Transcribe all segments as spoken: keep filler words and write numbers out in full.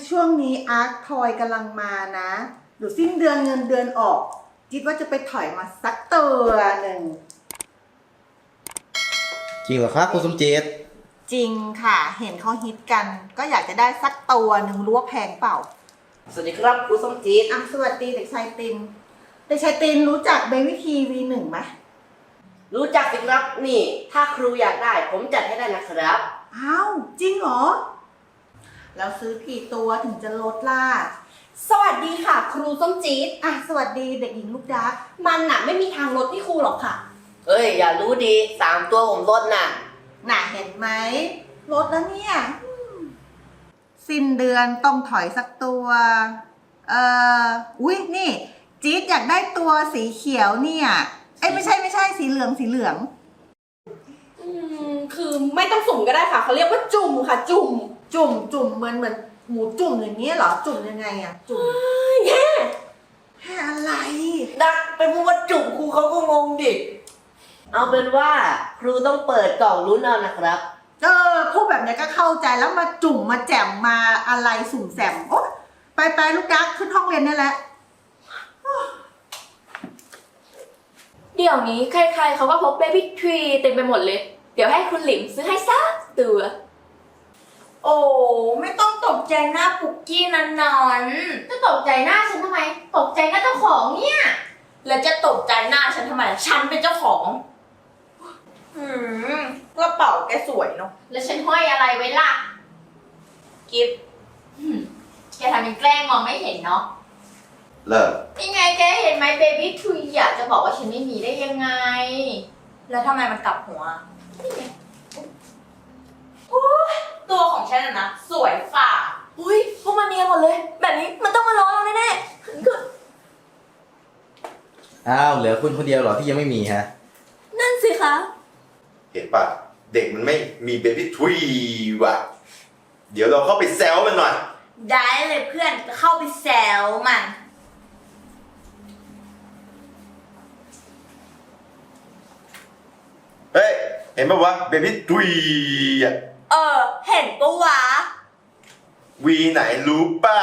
ช่วงนี้อาร์คทอยกำลังมานะเดี๋ยวสิ้นเดือนเงินเดือนออกคิดว่าจะไปถอยมาสักตัวหนึ่งจริงเหรอครับคุณสมจิตจริงค่ะเห็นเขาฮิตกันก็อยากจะได้สักตัวหนึ่งรู้ว่าแพงเปล่าสวัสดีครับครูสมจิตอ่ะสวัสดีเด็กชายตินเด็กชายตินรู้จักเบบี้ทีวีหนึ่งไหมรู้จักสิครับนี่ถ้าครูอยากได้ผมจัดให้ได้นะครับอ้าวจริงเหรอแล้วซื้อกี่ตัวถึงจะลดล่ะสวัสดีค่ะครูส้มจี๊ดอ่ะสวัสดีเด็กหญิงลูกดักมันน่ะไม่มีทางลดที่ครูหรอกค่ะเอ้ยอย่ารู้ดีสามตัวผมลดน่ะน่ะเห็นไหมลดแล้วเนี่ยสิ้นเดือนต้องถอยสักตัวเอ่ออุ้ยนี่จี๊ดอยากได้ตัวสีเขียวเนี่ยเอ้ยไม่ใช่ไม่ใช่สีเหลืองสีเหลืองอืมคือไม่ต้องสุ่มก็ได้ค่ะเขาเรียกว่าจุ่มค่ะจุ่มจุ่มจุ่มเหมือนเหมือนหมูจุ่มอย่างนี้เหรอจุ่มยังไงอะจุ่มแย่แค่อะไรดักไปพูดว่าจุ่มครูเขาก็งงดิเอาเป็นว่าครูต้องเปิดกล่องลุ้นเอานะครับเออพูดแบบนี้ก็เข้าใจแล้วมาจุ่มมาแจ่มมาอะไรสุ่มแสมโอ๊ะไปไปลูกดักขึ้นห้องเรียนได้แล้วเดี๋ยวนี้ใครๆเขาก็พกเบบี้ทรีเต็มไปหมดเลยเดี๋ยวให้คุณหลิมซื้อให้สักตัวโอ้ไม่ต้องตกใจหน้าปุกกี้นันนอนจะตกใจหน้าฉันทำไมตกใจหน้าเจ้าของเนี่ยแล้วจะตกใจหน้าฉันทำไมฉันเป็นเจ้าของอืมกระเป๋าแกสวยเนาะแล้วฉันห้อยอะไรไว้ล่ะกิฟต์แกทำเป็นแกล้งมองไม่เห็นเนาะเลิกยังไงแกเห็นไหมเบบี้ทรีอยากจะบอกว่าฉันไม่มีได้ยังไงแล้วทำไมมันกลับหัวโอ้ยตัวของฉันนะสวยฝ่าอุ้ยพวกมันเนียนหมดเลยแบบนี้มันต้องมาล้อเราแน่ๆคืออ้าวเหลือคุณคนเดียวเหรอที่ยังไม่มีฮะนั่นสิคะเห็นปะเด็กมันไม่มีเบบี้ทรีว่ะเดี๋ยวเราเข้าไปแซวมันหน่อยได้เลยเพื่อนเข้าไปแซวมันเฮ้ยเห็นปะวะเบบี้ทรีอ่ะเออเห็นปะวะวีไหนรู้ป่ะ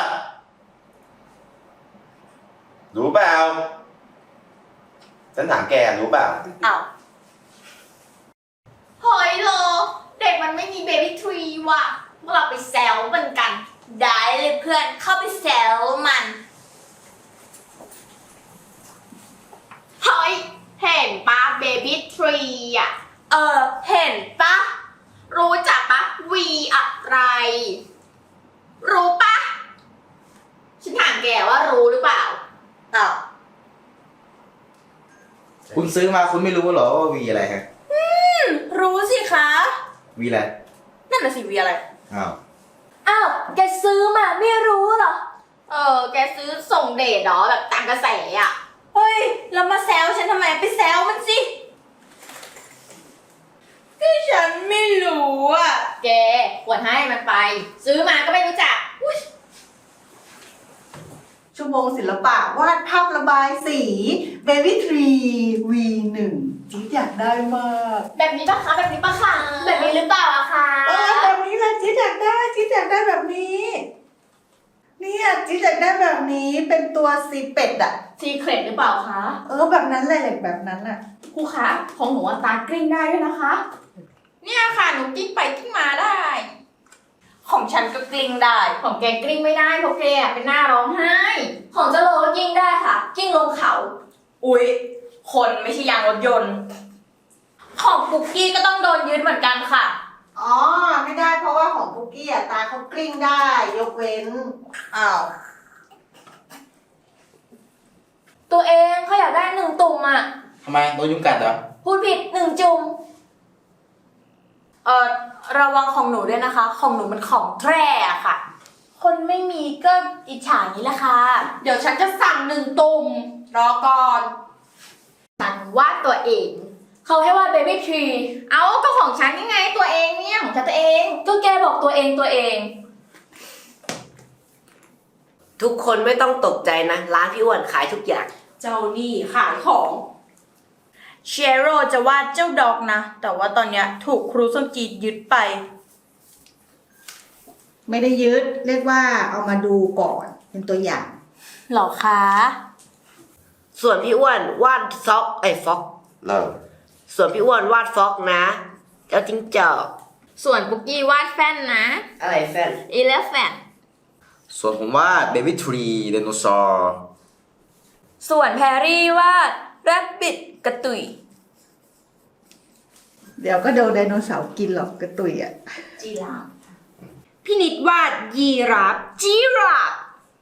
รู้เปล่าฉันถามแกรู้เปล่าอ้าวเฮ้ยโลเด็กมันไม่มีเบบี้ทรีว่ะพวกเราไปแซวมันกันได้เลยเพื่อนเข้าไปแซวมันเฮ้ยเห็นปะเบบี้ทรีอ่ะเออเห็นปะรู้จักปะวีอะไรรู้ปะฉันถามแกว่ารู้หรือเปล่าอ้าวคุณซื้อมาคุณไม่รู้เหรอว่าวีอะไรฮะอืมรู้สิคะวีอะไรนั่นน่ะสิวีอะไรอ้าวอ้าวแกซื้อมาไม่รู้เหรอเออแกซื้อส่งเดทเหรอแบบตามกระแสอ่ะเฮ้ยแล้วมาแซวฉันทำไมไปแซวมันสิก็ฉันไม่รู้อ่ะแกควรให้มันไปซื้อมาก็ไม่รู้จักชั่วโมงศิลปะวาดภาพระบายสี Baby Tree วี หนึ่ง จิ๊ดอยากได้มากแบบนี้ปะคะแบบนี้ปะคะแบบนี้หรือเปล่าอะคะเออแบบนี้แหละจิ๊ดอยากได้จิ๊ดอยากได้แบบนี้เนี่ยจิ๊ดอยากได้แบบนี้เป็นตัวซีเป็ดอะซีเครตหรือเปล่าคะเออแบบนั้นเลยแบบนั้นอะครูคะของหนูตากลิ้งได้ด้วยนะคะเนี่ยค่ะหนูกิ้งไปกิ้งมาได้ของฉันก็กลิ้งได้ของแกกลิ้งไม่ได้เพราะแกเป็นหน้าร้องไห้ของเจ้าโลก็กิ้งได้ค่ะกิ้งลงเขาอุ๊ยคนไม่ใช่ยางรถยนต์ของปุกกี้ก็ต้องโดนยึดเหมือนกันค่ะอ๋อไม่ได้เพราะว่าของปุกกี้อะตาเขากลิ้งได้ยกเว้นอ้าวตัวเองเขาอยากได้หนึ่งตุ่มอะทำไมโดนยุงกัดเหรอพูดผิดหนึ่งจุ่มเออระวังของหนูด้วยนะคะของหนูมันของแท้อะค่ะคนไม่มีก็อิจฉานี้แหละค่ะเดี๋ยวฉันจะสั่งหนึ่งตุ่มรอก่อนสั่งวาดตัวเองเขาให้วาดเบบี้ทรีเอาก็ของฉันยังไงตัวเองเนี่ยของฉันตัวเองก็แกบอกตัวเองตัวเองทุกคนไม่ต้องตกใจนะร้านพี่อ้วนขายทุกอย่างเจ้านี่ขายของเชโร่จะวาดเจ้าดอกนะแต่ว่าตอนเนี้ยถูกครูส้มจีดยึดไปไม่ได้ยึดเรียกว่าเอามาดูก่อนเป็นตัวอย่างหรอคะส่วนพี่อ้วนวาดซอกไอ้ฟ็อกเริ่มส่วนพี่อ้วนวาดฟ็อกนะ เจ้าจิ้งจอกส่วนปุกกี้วาดแฟนนะอะไรแฟนอีเลฟแฟนส่วนผมว่าเบบี้ทรีไดโนเสาร์ส่วนแพรรี่วาดแรบบิทกระตุยเดี๋ยวก็โดนไดโนเสาร์กินหรอกกระตุยอ่ะจีราฟพี่นิดวาดยีราฟจีราฟ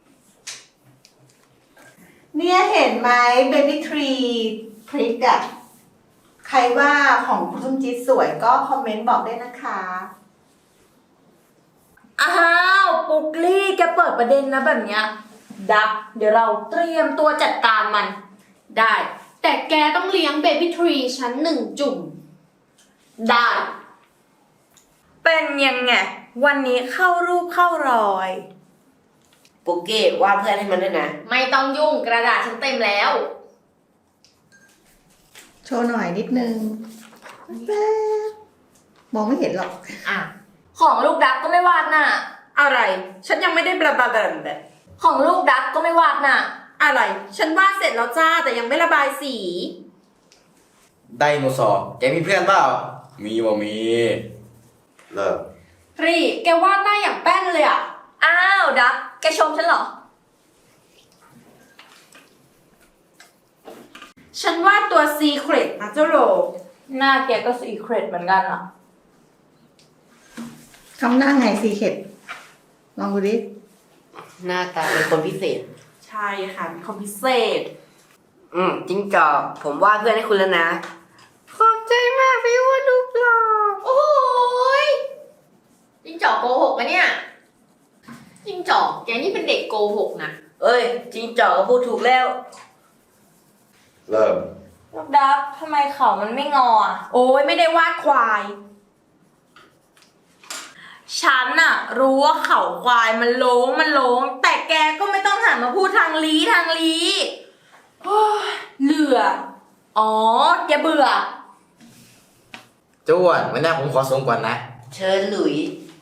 เนี่ยเห็นไหมเบบี้ทรีพริกอะใครว่าของคุณส้มจี๊ดสวยก็คอมเมนต์บอกได้นะคะอ้าวปุกลี่แกเปิดประเด็นนะแบบเนี้ยดักเดี๋ยวเราเตรียมตัวจัดการมันได้ แต่แกต้องเลี้ยงเบบี้ทรีชั้นหนึ่งจุ่มได้ เป็นยังไง วันนี้เข้ารูปเข้ารอยปุกกี้วาดเพื่อนให้มันด้วยนะไม่ต้องยุ่งกระดาษฉันเต็มแล้วโชว์หน่อยนิดนึงแป๊บมองไม่เห็นหรอกอ่ะของลูกดักก็ไม่วาดน่ะอะไร ฉันยังไม่ได้บลาบลาบลาแบบของลูกดักก็ไม่วาดน่ะอะไร ฉันวาดเสร็จแล้วจ้าแต่ยังไม่ระบายสีไดโนเสาร์แกมีเพื่อนเปล่า มีบ่มีเริ่มรีแกวาดหน้าอย่างแป้นเลยอะอ้าวดักแกชมฉันเหรอฉันวาดตัวซีเครตนะเจ้าโรหน้าแกก็สีเครดเหมือนกันอ่ะคำหน้าไงซีเข็ดลองดูดิหน้าตาเป็นคนพิเศษใช่ค่ะเป็นคนพิเศษอืมจิ้งจอกผมวาดเพื่อนให้คุณแล้วนะ ขอบใจมากพี่อ้วนรูปหล่อโอ้ยจิ้งจอกโกหกปะเนี่ยจิ้งจอกแกนี่เป็นเด็กโกหกนะเอ้ยจิ้งจอกก็พูดถูกแล้วเริ่มลูกดักทำไมเขามันไม่งออ่ะโอ้ยไม่ได้วาดควายฉันน่ะ รู้ว่าเขาควายมันโล้งมันโล้งแต่แกก็ไม่ต้องหันมาพูดทางลีทางลีโอ้ยเหลือ อ๋อ แกเบื่อเจ้าอ้วนวันหน้าผมขอส่งก่อนนะเชิญหลุย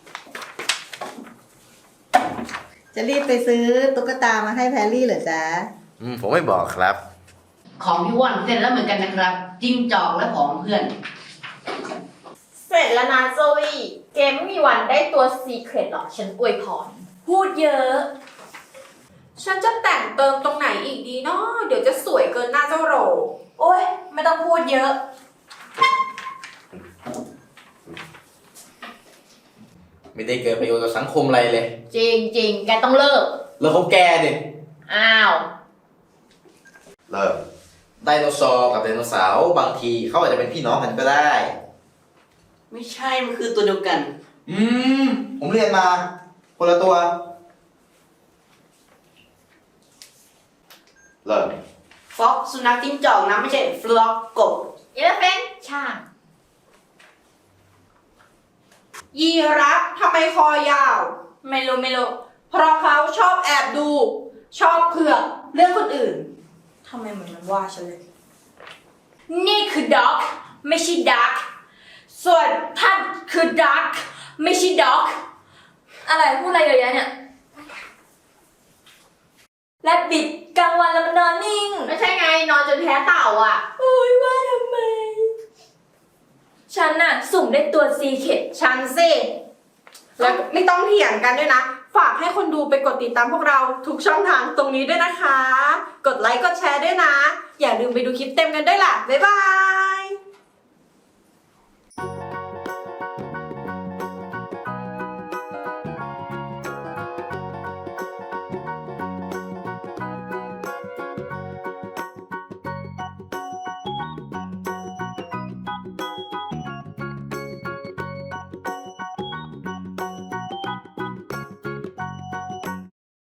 จะรีบไปซื้อตุ๊กตามาให้แพรรี่เหรอจ๊ะอืม ผมไม่บอกครับของพี่อ้วนเสร็จแล้วเหมือนกันนะครับ จิ้งจอกและของเพื่อนเสร็จแล้วนะโซวี่เกมไม่มีวันได้ตัวซีเครตหรอกฉันอวยพรพูดเยอะฉันจะแต่งเติมตรงไหนอีกดีเนาะเดี๋ยวจะสวยเกินหน้าเจ้าโรโอ้ยไม่ต้องพูดเยอะไม่ได้เกิดประโยชน์ต่อสังคมอะไรเลยจริงจริงๆ แกต้องเลิกแล้วเขาแกดิอ้าวเริ่มไดโนเสาร์กับไดโนเสาร์บางทีเขาอาจจะเป็นพี่น้องกันก็ได้ไม่ใช่ มันคือตัวเดียวกันอืม ผมเรียนมา คนละตัวเริ่มฟ็อกสุนัขจิ้งจอกนะไม่ใช่ฟล็อกกบอีเลฟเฟนช่างยีราฟทำไมคอยาวไม่รู้ไม่รู้เพราะเขาชอบแอบดู ชอบเผือกเรื่องคนอื่นทำไมเหมือนมันว่าฉันเลย นี่คือด็อกไม่ใช่ดัก ส่วนท่านคือดักไม่ใช่ด็อก อะไรพูดอะไรเยอะแยะเนี่ย และบิดกลางวันแล้วมันนอนนิ่งไม่ใช่ไงนอนจนแพ้เต่าอ่ะโอ้ยว่าทำไม ฉันน่ะ สุ่มได้ตัวซีเคทฉันสิ แล้วไม่ต้องเถียงกันด้วยนะ ฝากให้คนดูไปกดติดตามพวกเราทุกช่องทางตรงนี้ด้วยนะคะ กดไลค์กดแชร์ด้วยนะ อย่าลืมไปดูคลิปเต็มกันด้วยล่ะ บ๊ายบาย